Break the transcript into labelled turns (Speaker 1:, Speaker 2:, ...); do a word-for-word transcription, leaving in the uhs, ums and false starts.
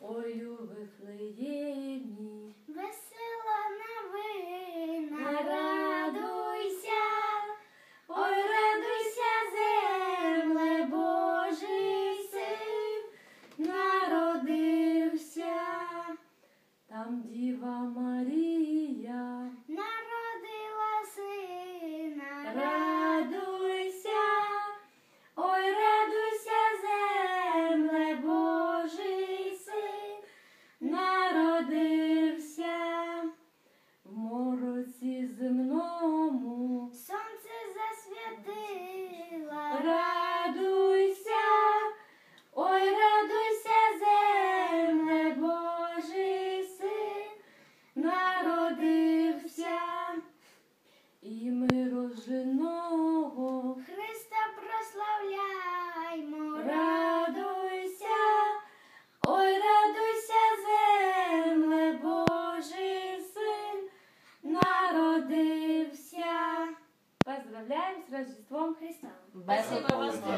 Speaker 1: ой у Вифлеємі.
Speaker 2: Весела новина,
Speaker 1: Радуйся, ой, радуйся, земле, Божий син народився. Там Діва Марія
Speaker 2: народила сина.
Speaker 1: Радуйся, ой, радуйся, земле, Божий син народився. В мороці земному
Speaker 2: Сонце засвітила.
Speaker 1: радуйся, ой, радуйся, земле, Божий син народився. І ми роженого
Speaker 2: Христа прославляймо.
Speaker 1: радуйся, ой, радуйся, земле, Божий син народився. Поздравляємо з Рождеством Христа.
Speaker 3: Спасибо вам.